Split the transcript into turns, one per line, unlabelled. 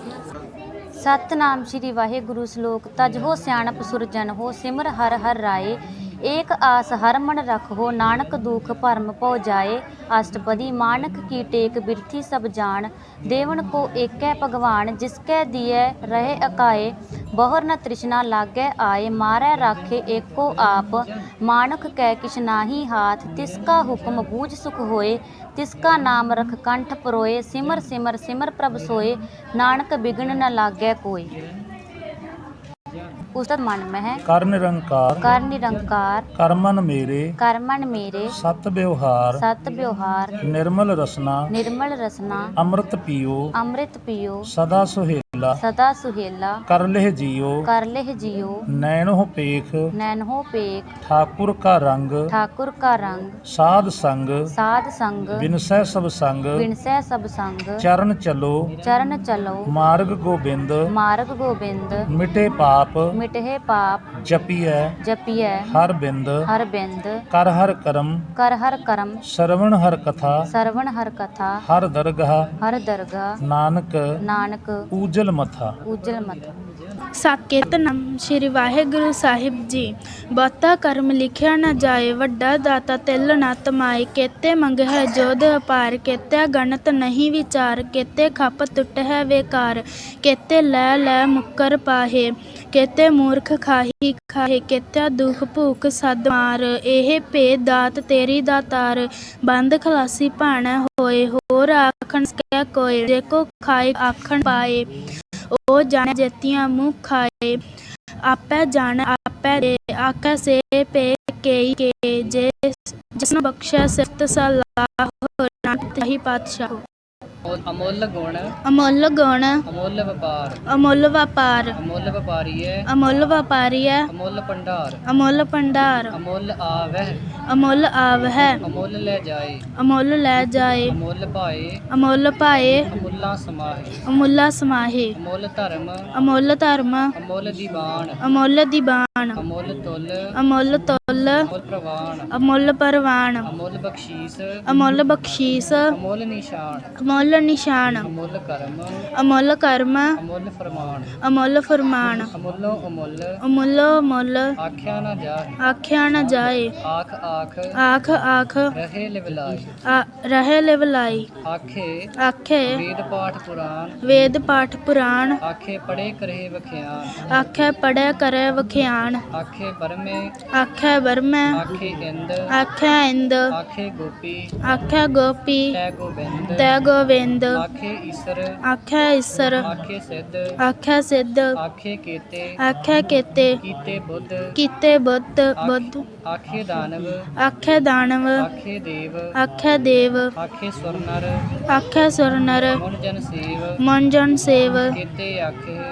सतनाम श्री वाहिगुरु श्लोक तज हो सियाणप सुरजन हो सिमर हर हर राय एक आस हर मन रखो नानक दुख भरम पौ जाए अष्टपदी मानक की टेक बिरथी सब जान देवन को एकै भगवान जिसकै दिए रहे अकाए बहुर न तृष्णा लागै आए मारै राखे एको आप मानक कै किछ नाही हाथ तिसका हुक्म बूझ सुख होए तिसका नाम रख कंठ परोए सिमर सिमर सिमर प्रभ सोए नानक बिघ्न न लागै कोई। उस्तद मन में है
कर निरंकार कर्मन मेरे सत व्यवहार निर्मल रसना अमृत पियो सदा सुहेला कर लेह जियो नैनो पेख ठाकुर का रंग साध संग बिनसै सब संग चरण चलो मार्ग गोबिंद मिटे पाप जपिए हर बिंद कर हर करम श्रवण हर कथा हर दरगाह नानक ऊजल मथा।
सतनाम श्री वाहिगुरु साहिब जी। बहुता कर्म लिखिया न जाए वड्डा दाता तिल न तमाए केते मंग है जोध अपार केते गणत नहीं विचार केते खप टुट है बेकार केते लै मुक्कर पाहे केते मूर्ख खाही केते दुख भूख सद मार एह भेद दात तेरी दातार बंद खलासी भाण होए होर आखन सकै कोय जे को खाए आखन पाए ओ जाने जेतियां मुँह खाए आपै जान आपै दे आकै से पे के जे जिसने बख्शा सिफत सलाह नानक ही पातशाह।
अमुल गुण
अमुल व्यापार
अमुल व्यापारीय
अमुल भंडार
अमुल आवह
अमुल
ले जाए
अमुल पाए अमुला समाहे
अमुल धर्म
अमुल दीवान अमुल तुल अमुल परवान अमुल बख्शीस अमुल निशान अमुल कर्म अमुल फरमान अमुलो अमुल आख्या न जाए आख रहे लिवलाई आखे वेद पाठ पुराण
आखे पढ़े
करे वख्यान
आखे
बरमे आखे इंद आखे गोपी तै गोविंद आखे ईसर आखे सिद्ध आखे केते कीते बुद्ध आखे दानव आखे देव आखे सुर नर मन जन सेव